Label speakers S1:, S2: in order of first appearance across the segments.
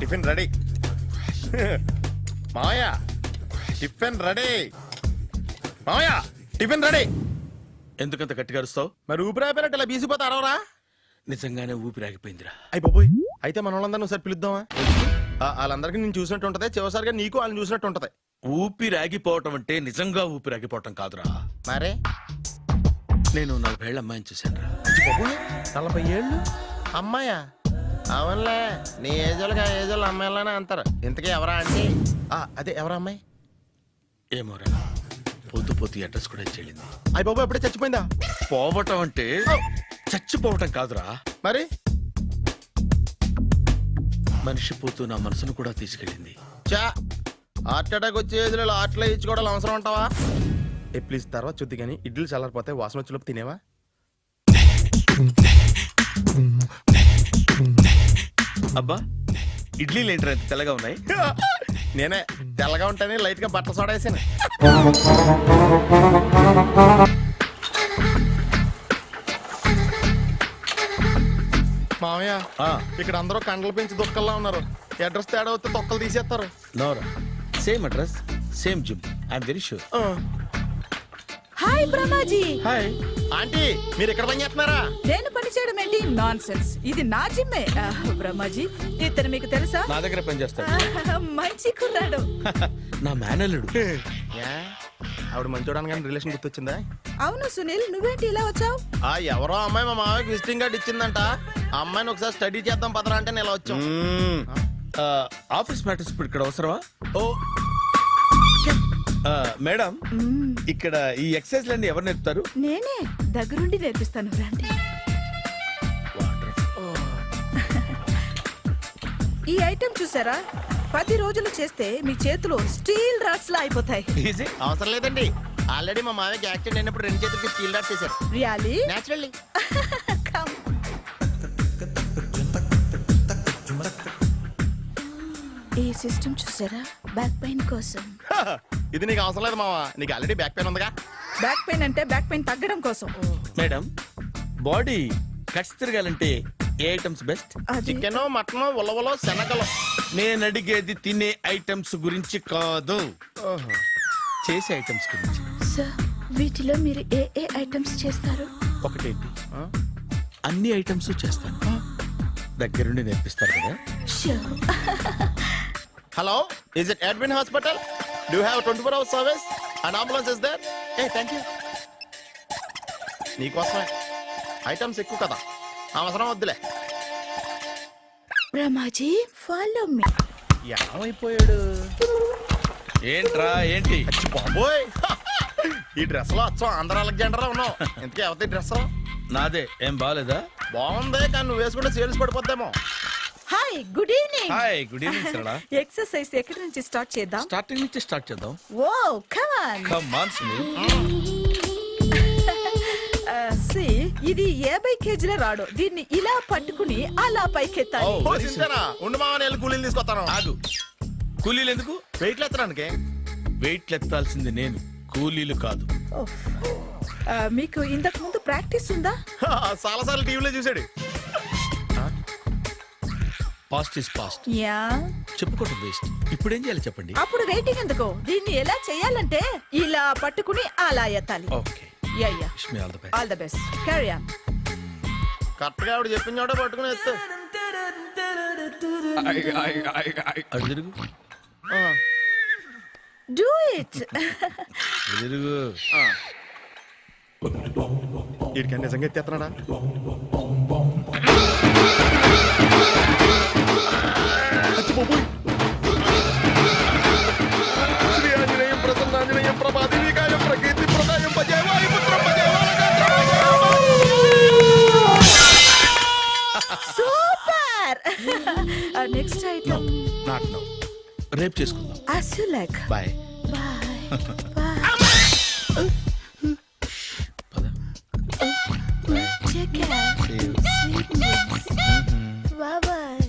S1: Tiffin ready. మావయ్య tiffin ready. మావయ్య tiffin ready.
S2: ఎందుకంత గట్టిగా అరుస్తావు?
S1: మరి ఊపిరి అయిపోయినట్టు ఇలా బీసిపోతే అరవరా?
S2: నిజంగానే ఊపిరాగిపోయిందిరా.
S1: అయిపోయి అయితే మన వాళ్ళందరినీ ఒకసారి పిలుద్దామా? వాళ్ళందరికీ నేను చూసినట్టు ఉంటది, చివరిసారిగా నీకు వాళ్ళని చూసినట్టు ఉంటది.
S2: ఊపిరాగిపోవటం అంటే నిజంగా ఊపిరాగిపోవటం కాదురా.
S1: మరే
S2: నేను 40 ఏళ్ల అమ్మాయిని చూశాను రా.
S1: 40 ఏళ్ళు అమ్మాయా? అవునులే, నీ ఏజోళ్ళకి ఆ ఏజోళ్ళు అమ్మాయిలానే అంటారు. ఇంతకీ ఎవరా అంటే? అదే ఎవరా అమ్మాయి?
S2: ఏమోరా, పొద్దు పొద్దు అడ్రస్ కూడా చెల్లింది.
S1: అయ్య బాబు ఎప్పుడే చచ్చిపోయిందా?
S2: పోవటం అంటే చచ్చిపోవటం కాదురా,
S1: మరి
S2: మనిషి పోతూ నా మనసును కూడా తీసుకెళ్ళింది.
S1: చా హార్ట్ అటాక్ వచ్చే ఏజ్లో హార్ట్లో ఇచ్చుకోవడం అవసరం ఉంటావా? ప్లీజ్ తర్వాత చూద్ది కానీ ఇడ్లీ చల్లారిపోతే వాసన వచ్చేలోపు తినేవా?
S2: అబ్బా, ఇడ్లీలు ఏంట్రా ఇంత తెల్లగా ఉన్నాయి?
S1: నేనే తెల్లగా ఉంటానే లైట్ గా బట్టలు సోడా వేసాను. మామయ్య ఇక్కడ అందరూ కండలు పెంచి దుక్కల్లా ఉన్నారు. అడ్రస్ తేడా వస్తే తొక్కలు తీసేస్తారు.
S2: నోరా, same address same gym, I'm very sure.
S3: Hi Brahmaji.
S2: Hi
S1: aunty, మీరు ఇక్కడ పని చేస్తున్నారా?
S3: నేను పని చేయడం ఏంటి? నాన్ సెన్స్, ఇది నా జిమ్మే. బ్రహ్మాజీ, ఇతను మీకు తెలుసా?
S2: నా దగ్గర పని చేస్తాడు.
S3: మంచి కుర్రాడు.
S2: నా మేనల్లుడు.
S1: ఆవిడ మంచోడానికి కానీ రిలేషన్ గుర్తొచ్చిందా?
S3: అవును సునీల్, నువ్వేంటి ఇలా వచ్చావు?
S1: ఎవరో అమ్మాయి మా మామయ్యకి విజిటింగ్ కార్డ్ ఇచ్చిందంట. ఆ అమ్మాయిని ఒకసారి స్టడీ చేద్దాం పదరా అంటే నేను ఇలా వచ్చాం.
S2: ఆఫీస్ మ్యాటర్స్ ఇప్పుడు ఇక్కడ అవసరమా? ఓ మేడం, ఇక్కడ ఈ ఎక్సర్సైజ్ లన్నీ ఎవరు నేర్పుతారు?
S3: నేనే దగ్గరుండి నేర్పిస్తాను, రండి. ఈ ఐటెం చూసారా? 10 రోజులు చేస్తే మీ చేతులు స్టీల్ రాట్స్ లా అయిపోతాయి.
S1: అవసరం లేదండి, ఆల్రెడీ మా మామయ్యకి యాక్సిడెంట్ అయినప్పుడు 2 చేతులకి స్టీల్ డాట్ చేశారు.
S3: రియల్లీ?
S1: నేచురల్లీ.
S3: ఈ సిస్టమ్ చూసారా? బ్యాక్ పెయిన్ కోసం.
S1: ఇది నీకు అవసరం లేదు మావా, నీకు ఆల్రెడీ బ్యాక్ పెయిన్ ఉందిగా.
S3: బ్యాక్ పెయిన్ అంటే బ్యాక్ పెయిన్ తగ్గడం కోసం.
S2: మేడం, బాడీ కట్స్ తిరగాలంటే ఏ ఐటమ్స్ బెస్ట్?
S1: చికెన్, మటన్, ఉలవలో, శనగలు.
S2: నేను అడిగేది తినే ఐటమ్స్ గురించి కాదు, చేసే ఐటమ్స్ గురించి.
S3: సార్, వీటిలో మీరు ఏ ఏ ఐటమ్స్ చేస్తారు?
S2: ఒకటేంటి, అన్ని ఐటమ్స్ చేస్తాను. దగ్గరుండి నేర్పిస్తారు కదా?
S1: Hello, is it admin hospital? Do you have 24 hours service and ambulance is there? Thank you. నీకోసమే ఐటమ్స్ ఎక్కువ కదా, అవసరం వద్దులే.
S3: Brahmaji, follow me.
S1: ఏమైపోయాడు?
S2: ఏంట్రా ఏంటి?
S1: బాబోయ్, ఈ డ్రెస్ లో వచ్చాం ఆంధ్ర అలెగ్జాండర్ ఉన్నావు. ఇంతకీ ఎవరి డ్రెస్?
S2: నాదే. ఏం బాగాలేదా?
S1: బాగుంది, కానీ నువ్వు వేసుకుంటే సేల్స్ పడిపోద్దేమో.
S3: Hi, good evening.
S2: Hi, good evening Sarala.
S3: Exercise ఎక్కడి నుంచి స్టార్ట్ చేద్దాం?
S2: స్టార్టింగ్ నుంచి స్టార్ట్ చేద్దాం.
S3: Oh come on.
S2: Come on Sunil.
S3: సి, ఇది 50 కేజీల రాడు. దీన్ని ఇలా పట్టుకుని అలా పైకెత్తాలి.
S1: ఓ సింతేనా? ఉండు మామ, నేను కూలీలు తీసుకొస్తాను.
S2: ఆగు, కూలీలు ఎందుకు?
S1: వెయిట్ ఎత్తడానికి.
S2: వెయిట్ ఎత్తాల్సింది నేను, కూలీలు కాదు.
S3: మీకు ఇంతకు ముందు ప్రాక్టీస్ ఉందా?
S1: చాలా సార్లు టీవీలో చూసాడు.
S2: Past is past,
S3: yeah.
S2: చెప్పుకోవడం వేస్ట్. ఇప్పుడు ఏం చేయాలి చెప్పండి?
S3: అప్పుడు వెయిటింగ్ ఎందుకు? దీన్ని ఎలా చేయాలంటే ఇలా పట్టుకుని అలా ఎత్తాలి.
S2: Okay,
S3: yeah yeah.
S2: Wish me all the best.
S3: All the best. Carry on.
S1: Correct గా ఆవిడ చెప్పిన చోట పట్టుకుని ఎత్తు.
S2: అటు తిరుగు,
S3: డూ ఇట్.
S2: అటు తిరుగు.
S1: వీడికి నిజంగా ఎత్తేస్తున్నాడా? శ్రీ ఆంజనేయం ప్రసన్నాంజనేయం ప్రభాదేవికాయం ప్రకీర్తి ప్రదాయం భజే వాయుపుత్రం భజే
S3: super. Next item
S2: not now, రేపు చేసుకుందాం.
S3: as you like.
S2: Bye.
S3: Bye. Bye. Take care. Sweet dreams. Bye bye.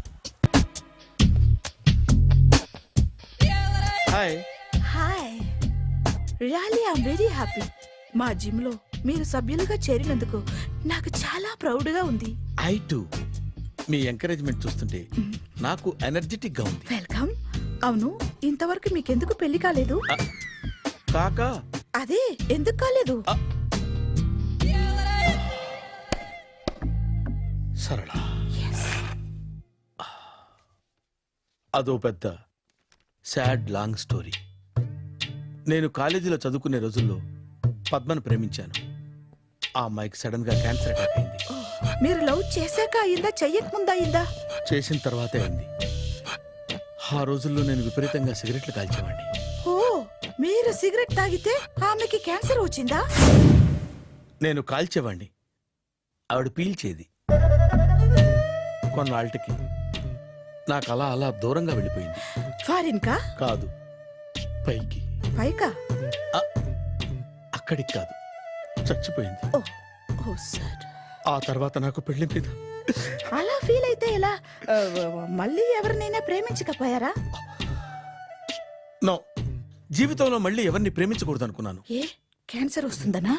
S2: Hi.
S3: Hi. Really, I'm very happy. మా జిమ్ లో మీరు సభ్యులుగా చేరినందుకు నాకు చాలా ప్రౌడ్ గా ఉంది.
S2: I to. మీ ఎంకరేజ్మెంట్ చూస్తుంటే నాకు ఎనర్జెటిక్ గా ఉంది.
S3: వెల్కమ్. అవును, ఇంతవరకు మీకెందుకు పెళ్లి కాలేదు?
S2: కాకా
S3: అదే ఎందుకు కాలేదు?
S2: సరళ, అదో పెద్ద సాడ్ లాంగ్ స్టోరీ. నేను కాలేజీలో చదువుకునే రోజుల్లో పద్మను ప్రేమించాను. ఆ అమ్మాయికి సడన్ గా క్యాన్సర్ అటాక్ అయింది.
S3: మీరు లవ్ చేశాక అయిందా, చెయ్యక ముందా అయిందా?
S2: చేసిన తర్వాతే అయింది. ఆ రోజుల్లో నేను విపరీతంగా సిగరెట్లు కాల్చేవాడిని.
S3: ఓ, మీరు సిగరెట్ తాగితే ఆమెకి క్యాన్సర్ వచ్చిందా?
S2: నేను కాల్చేవాణ్ణి, ఆవిడ పీల్చేది. కొన్నాళ్ళకి నాకు అలా అలా దూరంగా వెళ్ళిపోయింది.
S3: ఫారిన్ కా?
S2: కాదు, పైకి.
S3: పైకా?
S2: అక్కడికి కాదు, చచ్చిపోయింది.
S3: Oh, oh sir.
S2: ఆ తర్వాత నాకు పెళ్లి మీద
S3: అలా ఫీల్ అయితే ఎలా? మళ్ళీ ఎవరినైనా ప్రేమించకపోయారా?
S2: నో, జీవితంలో మళ్ళీ ఎవరిని ప్రేమించకూడదు అనుకున్నాను.
S3: ఏ, క్యాన్సర్ వస్తుందనా?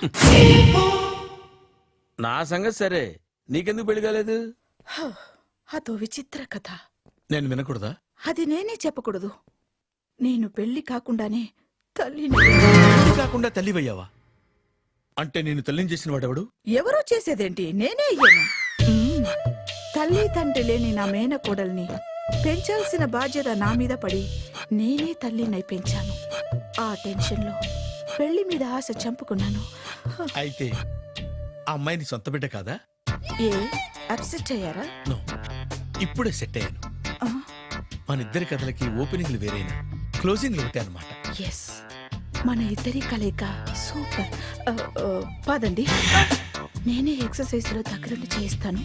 S2: నా సంగతి సరే, నీకెందుకు పెళ్లి కాలేదు?
S3: అదో విచిత్ర కథ.
S2: నేను వినకూడదా?
S3: అది నేనే చెప్పకూడదు. నేను పెళ్లి కాకుండానే తల్లిని.
S2: పెళ్లి కాకుండా తల్లివయ్యావా? అంటే నేను తల్లిని చేసిన వాడెవడు?
S3: ఎవరో చేసేదేంటి, నేనే అయ్యాను. తల్లి తండ్రి లేని నా మేనకోడల్ని పెంచాల్సిన బాధ్యత నా మీద పడి నేనే తల్లినై పెంచాను. ఆ టెన్షన్లో పెళ్లి మీద ఆశ చంపుకున్నాను.
S2: అయితే ఆ అమ్మాయిని సొంత బిడ్డ కాదా?
S3: ఏ, అప్సెట్ అయ్యారా?
S2: నో, ఇప్పుడే సెట్ అయ్యాను. మన ఇద్దరి కథలకి ఓపెనింగ్లు వేరైనా క్లోజింగ్లు ఒకటే అనమాట.
S3: ఎస్, మన ఇద్దరి కలయిక సూపర్. పదండి, నేనే ఎక్సర్సైజ్ లో దగ్గరుండి చేయిస్తాను.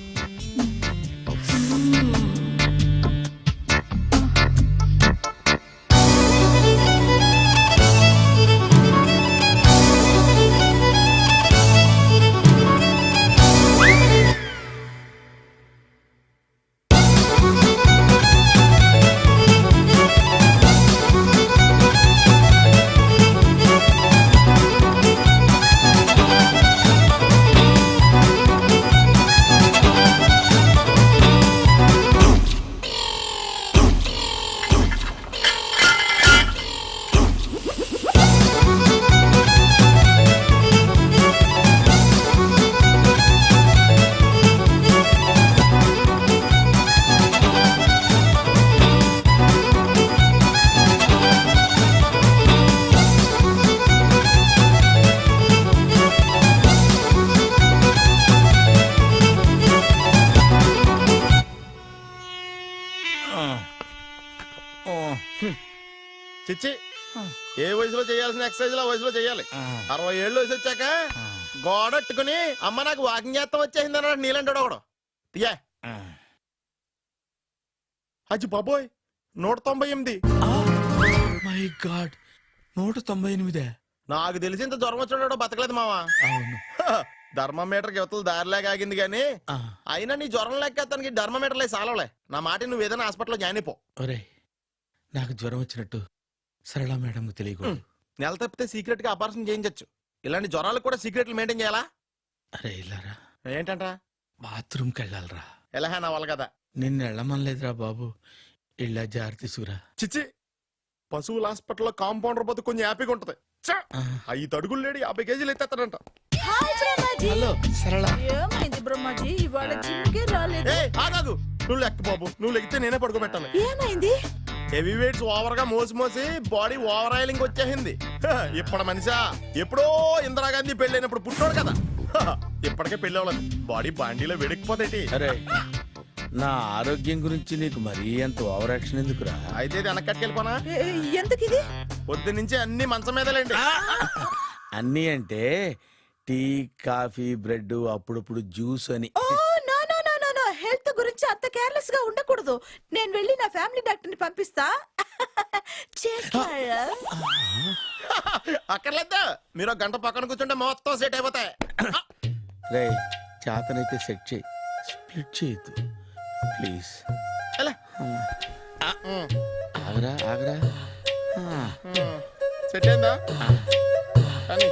S1: చిచ్చి, ఏ వయసులో చేయాల్సిన ఎక్సర్సైజ్ ఆ వయసులో చేయాలి. 60 ఏళ్ళు వయసు వచ్చాక గోడట్టుకుని అమ్మ నాకు వాకింగ్ చేస్తాం వచ్చేసింది అన్నాడు నీలంటాడు ఒకడు. తీయా అచ్చి బాబోయ్, 198.
S2: My god, 198.
S1: నాకు తెలిసి ఇంత జ్వరం వచ్చాడో బతకలేదు మావా.
S2: అవును.
S1: ధర్మమీటర్ యువతలు దారిలాగా ఆగింది గాని అయినా నీ జ్వరం లెక్క అతనికి ధర్మమీటర్లే సాలవలే. నా మాట నువ్వు ఏదైనా హాస్పిటల్లో జాయిన్ అయిపో.
S2: ఒరే, నాకు జ్వరం వచ్చినట్టు సరళ మేడం తెలియకూడదు.
S1: నెల తప్పితే సీక్రెట్ గా ఆపరేషన్ చేయించచ్చు. ఇలాంటి జ్వరాలకు కూడా సీక్రెట్లు మెయింటైన్ చేయాలా?
S2: అరే ఇల్లారా,
S1: ఏంటంట?
S2: బాత్రూమ్కి వెళ్ళాలరా.
S1: ఎలాహే నా వాళ్ళ కదా.
S2: నిన్ను వెళ్ళమనలేదురా బాబు, ఇళ్ళ జారి తీసుకురా.
S1: చిచ్చి, పశువుల హాస్పిటల్లో కాంపౌండర్ బతు కొంచెం హ్యాపీగా ఉంటది. 5 అడుగులు లేడి 50 కేజీలు ఎత్తేస్తాడంట.
S2: హలో సరళ.
S3: ఏమైంది బ్రహ్మాజీ, ఇవాళ జిమ్కే రాలేదు?
S1: ఆగాగు, నువ్వు లెక్క బాబు. నువ్వు లెక్కితే నేనే పడుకోబెట్టాలి.
S3: ఏమైంది?
S1: హెవీ వెయిట్స్ ఓవర్ గా మోసి బాడీ ఓవర్ ఆయిలింగ్ వచ్చేసింది. ఇప్పుడు మనిషా ఎప్పుడో ఇందిరాగాంధీ పెళ్ళైనప్పుడు పుట్టాడు కదా, ఇప్పటికే పెళ్లి అవ్వలేదు. బాడీ బాండీలో వెడికిపోతేటి.
S2: అరే, నా ఆరోగ్యం గురించి నీకు మరీ అంత ఓవర్ యాక్షన్ ఎందుకురా?
S1: అయితే ఇది వెనకట్టుకెళ్ళిపోనా?
S3: ఎందుకు ఇది?
S1: పొద్దు నుంచి అన్ని మంచం మీదలేండి.
S2: అన్నీ అంటే టీ, కాఫీ, బ్రెడ్, అప్పుడప్పుడు జ్యూస్ అని.
S3: హెల్త్ గురించి అంత కేర్లెస్ గా ఉండకూడదు. నేను వెళ్ళి నా ఫ్యామిలీ డాక్టర్ ని పంపిస్తా.
S1: అక్కర్లేదు, మీరు ఒక గంట పక్కన కూర్చుంటే మొత్తం సెట్ అయిపోతాయి.
S2: రే, చేతనైతే సెట్ చేయి, స్ప్లిట్ చేయొద్దు ప్లీజ్. ఆగరా ఆగరా.
S1: సెట్ అయిందా? కానీ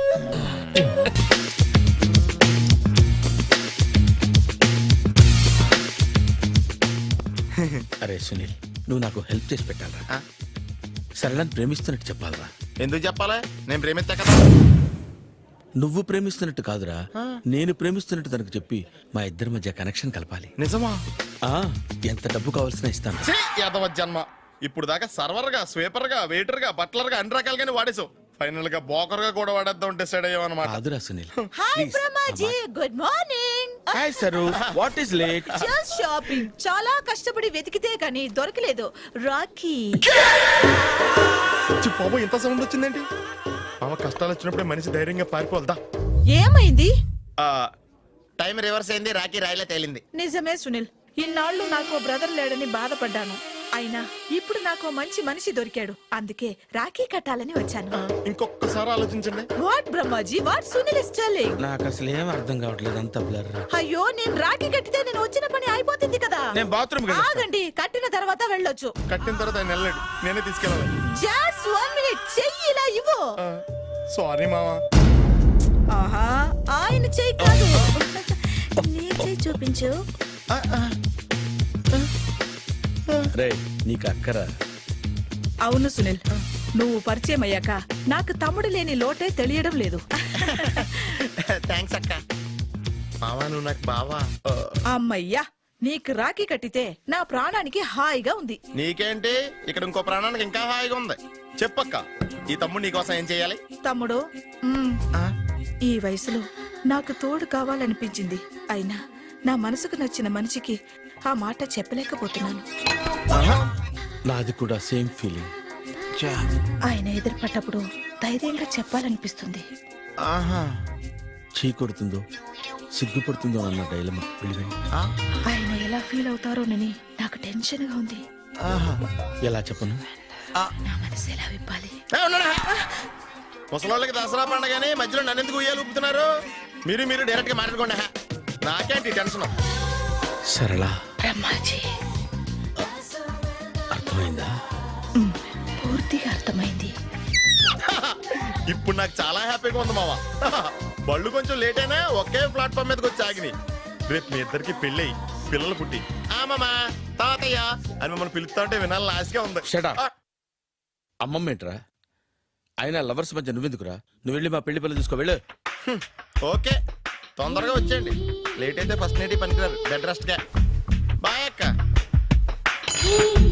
S2: సునీల్, నువ్వు నాకు హెల్ప్ చేసి పెట్టాలరా.
S1: ఆ?
S2: సరళని ప్రేమిస్తున్నట్టు చెప్పాలరా.
S1: ఎందుకు చెప్పాలి? నేను ప్రేమిస్తా కదా.
S2: నువ్వు ప్రేమిస్తున్నట్టు కాదురా, నేను ప్రేమిస్తున్నట్టు తనకు చెప్పి మా ఇద్దరి మధ్య కనెక్షన్ కలపాలి.
S1: నిజమా?
S2: ఆ, ఎంత డబ్బు కావాల్సిన ఇస్తాను.
S1: ఛీ, యాదవ జన్మ. ఇప్పుడు దాకా సర్వర్ గా, స్వీపర్ గా, వెయిటర్ గా, బట్లర్ గా అన్ని రకాలుగానే వాడేసావు. ఫైనల్ గా బోకర్ గా కూడా వాడేద్దాం డిసైడ్ అయ్యావు అనమాట.
S2: కాదురా Sunil.
S3: Hi Brahmaji, good morning.
S2: Hi Saru, what is late?
S3: Just shopping. చాలా కష్టపడి వెతికితే కానీ దొరకలేదు. రాఖీ.
S1: బాబు ఇంత సౌండ్ వచ్చిందేంటి? మామ కష్టాలు వచ్చినప్పుడే మనిషి ధైర్యంగా పారిపోవద్దా.
S3: ఏమైంది?
S1: టైం రివర్స్ అయింది, రాఖీ రాయిలా తేలింది.
S3: నిజమే సునీల్, ఇన్నాళ్ళు నాకు బ్రదర్ లేడని బాధపడ్డాను. అయినా ఇప్పుడు నాకు మంచి మనిషి దొరికాడు. అందుకే రాఖీ కట్టాలని వచ్చాను.
S1: ఇంకొకసారి ఆలోచించండి.
S3: What Brahmaji, what Sunil is telling?
S2: నాకు అసలు ఏం అర్థం కావట్లేదు, అంత బ్లర్.
S3: అయ్యో, నేను రాఖీ కట్టితే నేను వచ్చిన పని అయిపోతుంది కదా.
S2: నేను బాత్రూమ్
S3: ఆగండి, కట్టిన తర్వాత వెళ్ళొచ్చు.
S1: కట్టిన తర్వాత ఆయన వెళ్ళాడు, నేనే తీసుకెళ్ళాలి.
S3: జస్ట్ 1 మినిట్, చెయ్యి ఇలా ఇవ్వు.
S1: సారీ మామా.
S3: ఆహా, ఆయన చెయ్యి కాదు, నీ చెయ్యి చూపించు.
S2: రే, నీకు అక్కరా?
S3: అవును సునీల్, నువ్వు పరిచయం అయ్యాక నాకు తమ్ముడు లేని లోటే తెలియడం లేదు.
S1: థ్యాంక్స్ అక్క. మామా నువ్వు నాకు బావా.
S3: అమ్మయ్యా, నీకు రాఖీ కట్టితే నా ప్రాణానికి హాయిగా ఉంది.
S1: నీకేంటి, ఇక్కడ ఇంకో ప్రాణానికి ఇంకా హాయిగా ఉంది. చెప్పక్క, ఈ తమ్ముడు నీకోసం ఏం చేయాలి?
S3: తమ్ముడు, ఈ వయసులో నాకు తోడు కావాలనిపించింది. అయినా నా మనసుకు నచ్చిన మనిషికి ఆ మాట చెప్పలేకపోతున్నాను.
S2: నాది కూడా సేమ్ ఫీలింగ్.
S3: ఆయన ఎదురుపడ్డప్పుడు ధైర్యంగా చెప్పాలనిపిస్తుంది.
S2: చీ కొడుతుందో సిగ్గుపడుతుందో అన్న డైలమా వెళ్ళిపోయింది.
S3: ఆయన ఎలా ఫీల్ అవుతారోనని నాకు టెన్షన్ గా ఉంది.
S2: ఎలా చెప్పను?
S3: నా మనసు ఎలా విప్పాలి?
S1: ముసలోళ్ళకి దసరా పండగని మధ్యలో నన్ను ఎందుకు ఉయ్యాలు ఊపుతున్నారు? మీరు డైరెక్ట్ గా మాట్లాడుకోండి. నాకేంటి టెన్షన్?
S2: సరళ,
S3: బ్రహ్మాజీ,
S2: అర్థమైందా?
S3: పూర్తిగా అర్థమైంది.
S1: ఇప్పుడు నాకు చాలా హ్యాపీగా ఉంది మావా. బళ్ళు కొంచెం లేట్ అయినా ఒకే ప్లాట్ఫామ్ మీదకి వచ్చి ఆగినాయి. రేపు మీ ఇద్దరికి పెళ్ళి పిల్లలు పుట్టి మామా తాతయ్య అని మమ్మల్ని పిలుస్తా ఉంటే వినాలని ఆశగా ఉంది.
S2: Shut up. అమ్మమ్మ ఏంట్రా? ఆయన లవర్స్ మధ్య నువ్వెందుకురా? నువ్వు వెళ్ళి మా పెళ్లి పిల్లలు తీసుకో వెళ్ళు.
S1: ఓకే, తొందరగా వచ్చేయండి. లేట్ అయితే ఫస్ట్ నైట్ పనికిరారు. బెడ్ రెస్ట్ గా. బాయ్ అక్క.